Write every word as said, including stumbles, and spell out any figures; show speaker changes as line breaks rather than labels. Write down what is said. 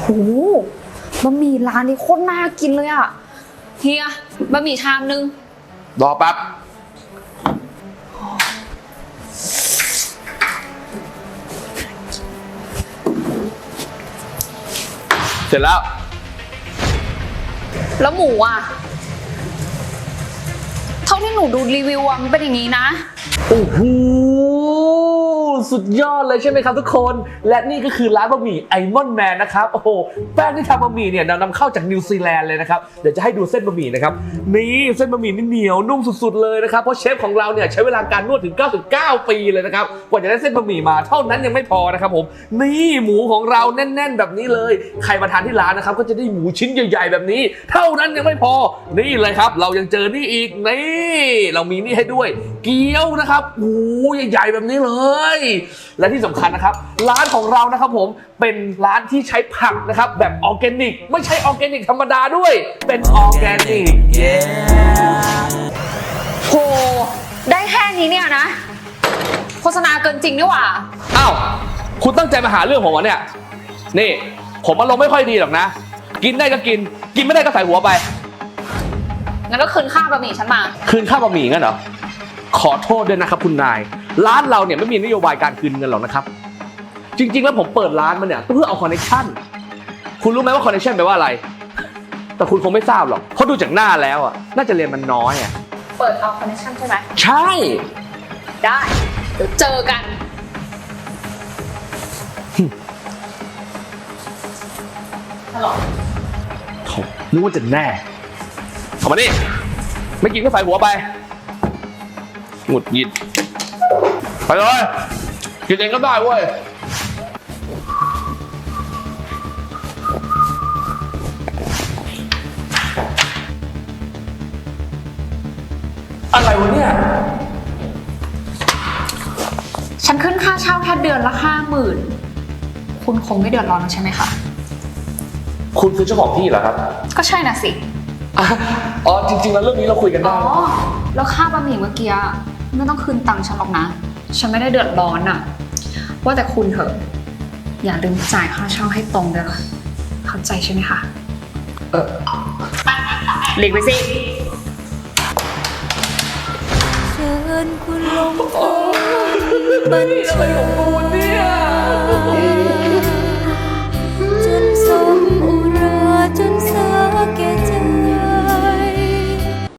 โหบะหมี่ร้านนี้โคตรน่ากินเลยอ่ะเฮียบะหมี่ชามนึง
รอแป๊บเสร็จแล้ว
แล้วหมูอ่ะเท่าที่หนูดูรีวิวอ่ะมันเป็นอย่างนี้นะ
โอ้โหสุดยอดเลยใช่ไหมครับทุกคนและนี่ก็คือร้านบะหมี่ไอมอนแมนนะครับโอ้โหแป้งที่ทำบะหมี่เนี่ยนำเข้าจากนิวซีแลนด์เลยนะครับเดี๋ยวจะให้ดูเส้นบะหมี่นะครับนี่เส้นบะหมี่นี่เหนียวนุ่มสุดๆเลยนะครับเพราะเชฟของเราเนี่ยใช้เวลาการนวดถึงเก้าสิบเก้าปีเลยนะครับกว่าจะได้เส้นบะหมี่มาเท่านั้นยังไม่พอนะครับผมนี่หมูของเราแน่นๆแบบนี้เลยใครมาทานที่ร้านนะครับก็จะได้หมูชิ้นใหญ่ๆแบบนี้เท่านั้นยังไม่พอนี่เลยครับเรายังเจอนี่อีกนี่เรามีนี่ให้ด้วยเกี๊ยวนะครับโอ้ใหญ่ๆแบบนี้เลยและที่สำคัญนะครับร้านของเรานะครับผมเป็นร้านที่ใช้ผักนะครับแบบออร์แกนิกไม่ใช่ออร์แกนิกธรรมดาด้วยเป็นออร์แกนิก
โหได้แค่นี้เนี่ยนะโฆษณาเกินจริงนี่หว่า
อ้าวคุณตั้งใจมาหาเรื่องผมวะเนี่ยนี่ผมอารมณ์ไม่ค่อยดีหรอกนะกินได้ก็กินกินไม่ได้ก็ใส่หัวไป
งั้นก็คืนค่าบะหมี่ฉันมา
คืนค่าบะหมี่งั้นเหรอขอโทษด้วยนะครับคุณนายร้านเราเนี่ยไม่มีนโยบายการคืนเงินหรอกนะครับจริงๆแล้วผมเปิดร้านมาเนี่ยเพื่อเอาคอนเนคชั่นคุณรู้ไหมว่าคอนเนคชั่นแปลว่าอะไรแต่คุณคงไม่ทราบหรอกเพราะดูจากหน้าแล้วอ่ะน่าจะเรียนมันน้อยอ่ะ
เปิดเอาคอนเนคชั่นใช่ไหม
ใช่
ได้เดี๋ยวเจอกันฮัลโหล
เขานึกว่าจะแน่เข้ามานี่ไม่กินก็ใส่หัวไปหงุดหงิดไปเลยกินเองก็ได้เว้ยอะไรวะเนี่ย
ฉันขึ้นค่าเช่าแค่เดือนละห้าหมื่นคุณคงไม่เดือดร้อนใช่ไหมคะ
คุณคือเจ้าของที่เหรอครับ
ก็ใช่น่ะสิ
อ๋อจริงๆแล้วเรื่องนี้เราคุยกันได้
อ๋อแล้วค่าบะหมี่เมื่อกี้ไม่ต้องคืนตังค์ฉันหรอกนะฉันไม่ได้เดือดร้อนอะว่าแต่คุณเถอะอย่าลืมจ่ายค่าเช่าให้ตรงด้วยค่ะเข้าใจใช่ไหมคะ
เออ
หลีกไปสิ
เชิญคุณลงบัญชาจนสมอุราจนสาแก่